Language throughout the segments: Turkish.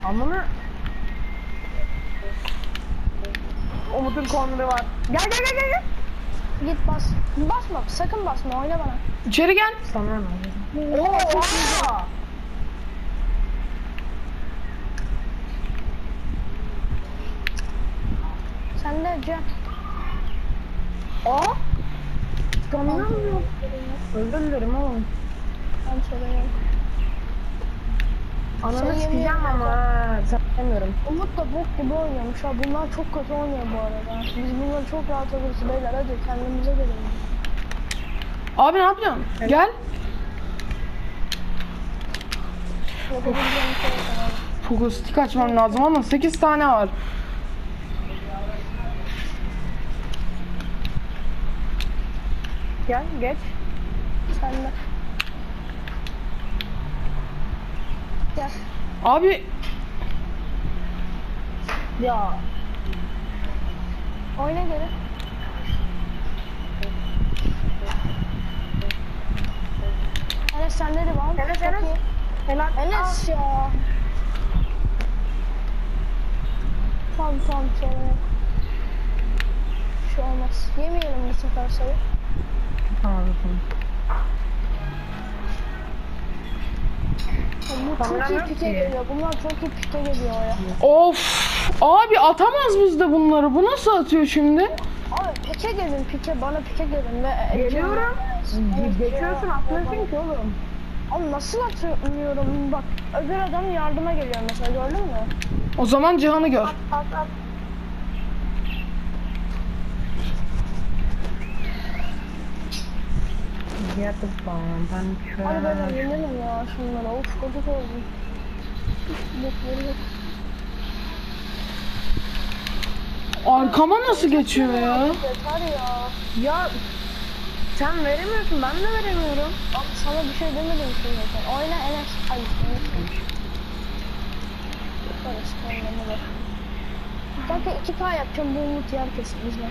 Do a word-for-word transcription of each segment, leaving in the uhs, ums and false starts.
Amına. Umut'un korneri var. Gel gel gel gel gel. Git bas. Basma, sakın basma, oyna bana. İçeri gel. Sana ne? Oha! Sen de Cem. Aa! Tanımıyorum. Özür dilerim oğlum. Ben söyleyeyim. Ananı Sen sikeceğim yemin ama ha. Sanmıyorum. Umut da bok gibi oynuyormuş ha. Bunlar çok kötü oynuyor bu arada. Biz bunları çok rahat alırız beyler. Hadi kendimize gelelim. Abi ne yapıyorsun? Gel. Yapabileceğim şey yok abi. Fokustik açmam lazım ama sekiz tane var. Gel geç. Sen de. Gel. Abi Ya. Oyna geri. Enes sende de var. Enes, Çok Enes. iyi. Helal. Enes ya. Tamam tamam sorun yok. Bir şey olmaz. Yemeyelim bu sefer sayı. Tamam tamam. Bu çok iyi Sanmıyorum pike ki. geliyor. Bunlar çok iyi pike geliyor ya. of. Abi atamaz bizde bunları. Bu nasıl atıyor şimdi? Abi pike gelin pike. Bana pike gelin. Ve Geliyorum. Evet, Geçiyorsun atlıyorsun ki oğlum. Abi nasıl atıyorum? Bak öbür adam yardıma geliyor mesela gördün mü? O zaman Cihan'ı gör. At at. Yatıp ben ben Hadi ben şöyle. yenemem ya şunlara. Of gıcık oldum. Bokları yok. Arkama nasıl geçiyor ya? Yeter ya. Ya sen veremiyorsun, ben de veremiyorum. Abi sana bir şey demedim ki zaten. Oyna Enes. Hayır Enes demiş. Yaparız kendine bak. Zaten iki K yapacağım bu umut yer kesin bizden.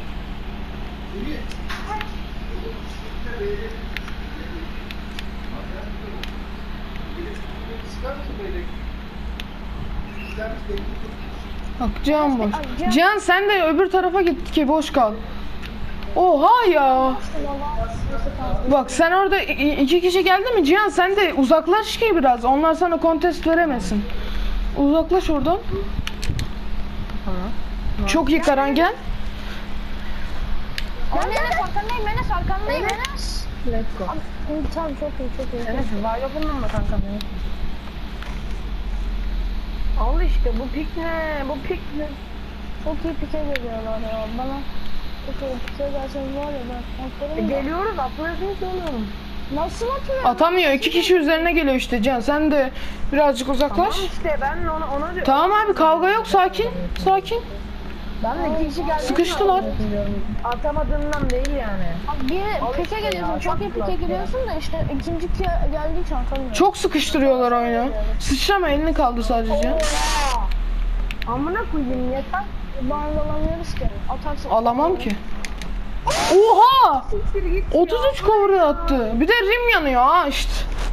Bak Cihan boş. Cihan sen de öbür tarafa git ki boş kal. Oha ya. Bak sen orada i- iki kişi geldi mi Cihan sen de uzaklaş ki biraz. Onlar sana kontest veremesin. Uzaklaş oradan. Tamam. Çok iyi Karan gel. Oyna Enes arkandayım Enes arkandayım Enes. Let's go. Abi, tamam çok iyi çok iyi. Enes var yokundan mı kanka benim? Al işte bu pik ne? Bu pik ne? Çok iyi pike geliyorlar ya bana. Çok iyi pike gelseniz var ya ben E, atlarım da. geliyoruz atlıyorsun ki oğlum. Nasıl atıyor? Atamıyor. İki kişi üzerine geliyor işte Cihan. Sen de birazcık uzaklaş. Tamam işte ben ona ona diyorum. Tamam abi kavga yok sakin. Sakin. Ben de iki kişi geldi. Sıkıştılar. Atamadığımdan değil yani. Abi bir pike işte geliyorsun ya, çok iyi çok pike kulak geliyorsun da işte ikinci pike geldiği için atamıyorum. Çok sıkıştırıyorlar oyunu. Sıçrama elini kaldır sadece Cihan. Oha! Amına koyayım yeter. Bağlı alamıyoruz ki. Atarsın. Alamam ki. Oha! Siktir git. otuz üç cover attı. Bir de rim yanıyor ha işte.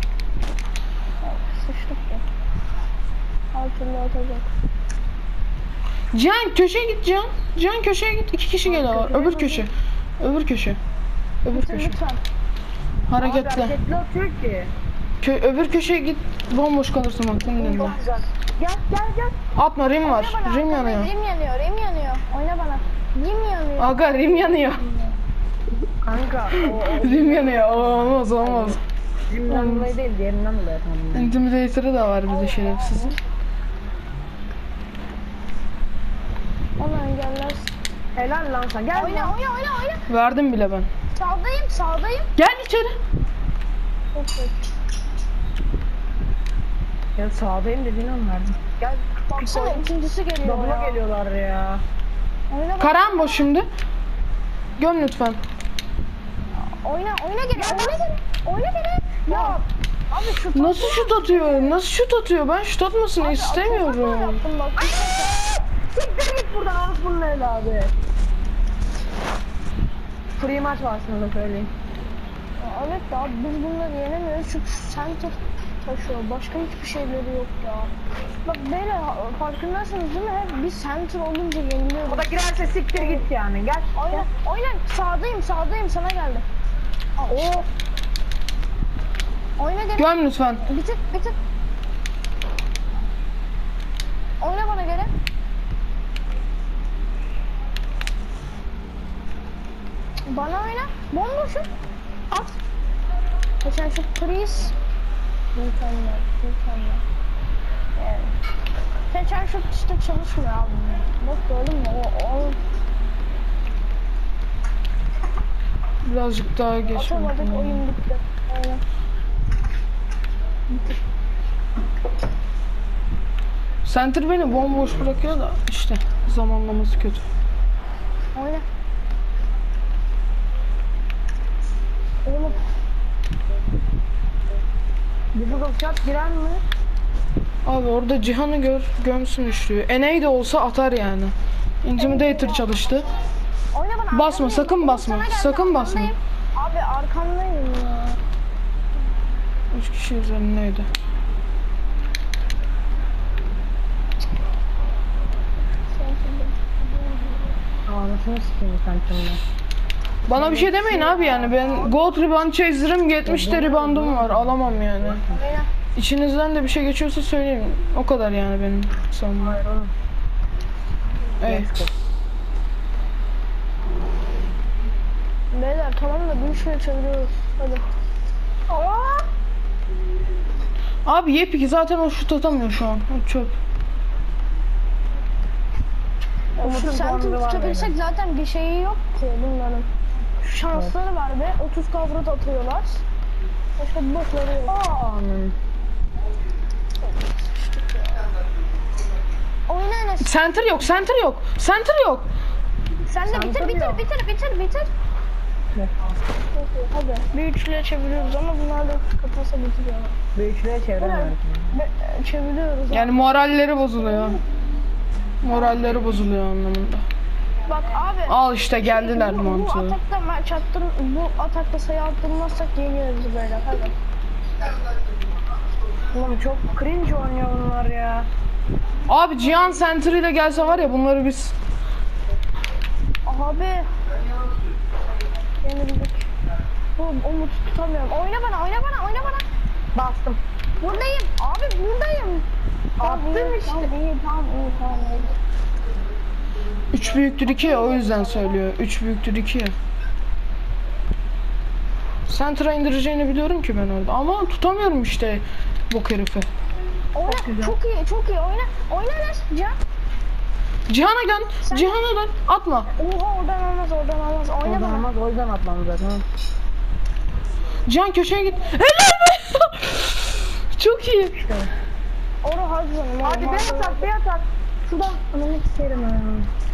Sıçtık ya. Her türlü atacak. Cihan köşeye git Cihan. Cihan köşeye git. İki kişi geliyorlar. Öbür köşe. Öbür köşe. Öbür Lütfen köşe. lütfen. Hareketli. Hareketli atıyor ki. Kö öbür köşeye git. Bomboş kalırsın bak senin elinde. Çok güzel. Gel gel gel. Atma rim var. Oyna bana, Rim arkandayım. yanıyor. Rim yanıyor, rim yanıyor. Oyna bana. Rim yanıyor. Aga rim yanıyor. Kanka o o Rim yanıyor. Oo, olmaz olmaz. bizimden dolayı değil diğerinden dolayı tamam. Intimidator'ı da var bir de şerefsizin. Onu engellersin. Helal lan sen. Gel. Oyna, oyna, oyna, oyna. Verdim bile ben. Sağdayım, sağdayım. Gel içeri. Çok kötü. Ya sağdayım dediğin an verdim. Gel. Baksana ikincisi geliyor Double'a ya. geliyorlar ya. Oyna bak. Karan boş şimdi. Göm lütfen. Oyna, oyna geri, oyna geri. Oyna geri. Ya. Abi şu Nasıl şut atıyor? Nasıl şut atıyor? Ben şut atmasını istemiyorum. yaptım bak. Siktir git buradan orospunun evladı. Free maç var sana da söyleyeyim. Ya evet ya biz bunları yenemiyoruz çünkü center taşıyor. Başka hiçbir şeyleri yok ya. Bak böyle farkındasınız değil mi? Hep bir center olunca yeniliyoruz. O da girerse siktir git yani. Gel. Aynen, aynen. Sağdayım, sağdayım. Sana geldi. Oo. Oyna geri. Göm lütfen. Bitir, bitir. Oyna bana geri. Bana oyna. Bomboşum. At. Geçen şu please. Mükemmel, mükemmel. Evet. Geçen şu işte çalışmıyor abi. Bak gördün mü? O, o Birazcık daha geç. atamadık, oyun bitti. Aynen. Center beni bomboş bırakıyor da işte zamanlaması kötü. Oyna. Oğlum. Difficult shot girer mi? Abi orada Cihan'ı gör, gömsün üçlüyü. Eney de olsa atar yani. Intimidator çalıştı. Oyna bana. Basma, arkandayım. sakın Oğlum, basma, sana geldi, sakın basma. arkandayım. Abi arkandayım ya. Üç kişi üzerindeydi. Anasını sikeyim sen şimdi. Bana bir şey demeyin abi yani ben gold rebound chaser'ım yetmiş de reboundum var alamam yani. Oyna. İçinizden de bir şey geçiyorsa söyleyin. O kadar yani benim savunmam. Hayır oğlum. Evet. Beyler tamam da bir şey çeviriyoruz. Hadi. Aa! Abi yepyeki zaten o şut atamıyor şu an. O çöp. Umut'un Şu center puanları var tutabilsek zaten bir şeyi yok ki bunların. Şu şansları var be. otuz kavrut atıyorlar. Başka bir bokları yok. Anam. Oyna Enes. Center yok, center yok. Center yok. Sen de bitir bitir yok. bitir bitir bitir. Hadi. Bir üçlüye çeviriyoruz ama bunlar da kapasa bitiriyorlar. Bir üçlüye çeviremiyorum. Be- çeviriyoruz. Yani moralleri bozuluyor. Moralleri bozuluyor anlamında. Bak abi. Al işte geldiler bu, bu mantığı. atakta maç attır, bu atakta sayı attırmazsak yeniyoruz böyle. Hadi. Oğlum çok cringe oynuyor bunlar ya. Abi Cihan Center ile gelse var ya bunları biz... Abi. Yenildik. Bu Umut'u tutamıyorum. Oyna bana, oyna bana, oyna bana. Bastım. Buradayım. Abi buradayım. Attım iyi, işte. Tamam iyi, tamam iyi, tamam iyi. Üç büyüktür iki ya o yüzden söylüyor. Üç büyüktür iki ya. Center'a indireceğini biliyorum ki ben orada ama tutamıyorum işte bok herifi. Oyna, güzel. çok iyi, çok iyi. Oyna, oyna Enes. Can. Cihan'a dön, Cihan'a dön. Atma. Oha oradan olmaz, oradan olmaz. Oyna Oradan bana. olmaz o yüzden atmam zaten. Cihan köşeye git. Helal be! Çok iyi. Orada harcanım. Hadi bir atak bir atak. Şuradan ananı sikerim ya.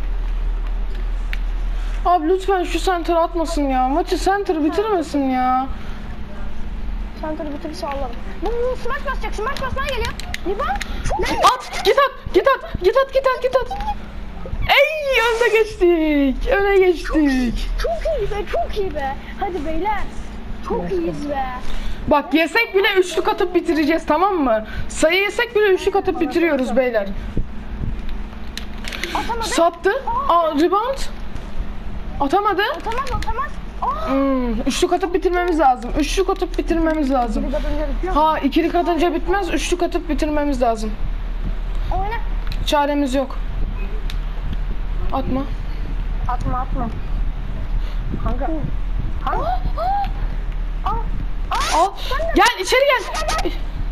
Abi lütfen şu center atmasın ya. Maçı center bitirmesin ya. Center bitirirse alalım. Bu, bu smash basacak, smash basmaya geliyor. Liban. Çok iyi. At, git at, git at, git at, git at, git at. Ey, önde geçtik. Öne geçtik. Çok iyi be, çok iyi be. Hadi beyler. Çok iyiyiz be. Bak yesek bile üçlük atıp bitireceğiz tamam mı? Sayı yesek bile üçlük atıp bitiriyoruz beyler. Atamadı. Sattı. Aa, rebound. Atamadı. Atamaz, atamaz. Aa. Hmm, üçlük atıp bitirmemiz lazım. Üçlük atıp bitirmemiz lazım. Bir kadınca bitiyor mu? Ha, ikilik atınca bitmez. Üçlük atıp bitirmemiz lazım. Oyna. Çaremiz yok. Atma. Atma atma. Kanka. Kanka. Aa. Al. Gel içeri gel.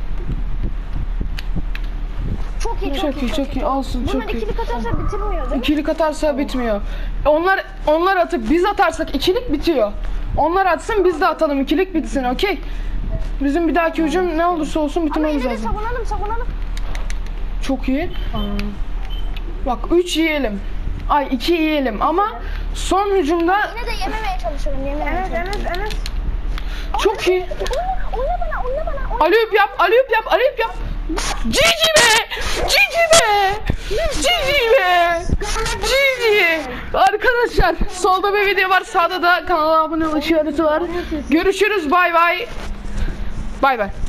Çok iyi, Çok iyi, çok iyi. Alsın, Bunlar çok iyi. ikili katarsa bitirmiyor değil mi? İkilik atarsa bitmiyor. Onlar onlar atıp biz atarsak ikilik bitiyor. Onlar atsın biz de atalım ikilik bitsin okey. Bizim bir dahaki hücum ne olursa olsun Ama bitirmemiz yine de lazım. savunalım, savunalım. Çok iyi. Bak üç yiyelim. Ay iki yiyelim ama son hücumda Yine de yememeye çalışalım, yememeye Enes çalışalım. Enes Enes. çok iyi. Oyna, oyna bana, oyna bana. Oyna. Alüp yap, alüp yap, alüp yap. Cici be! Cici be! Cici be! Cici! Arkadaşlar solda bir video var, sağda da kanala abone ol işareti var. Görüşürüz, bay bay. Bay bay.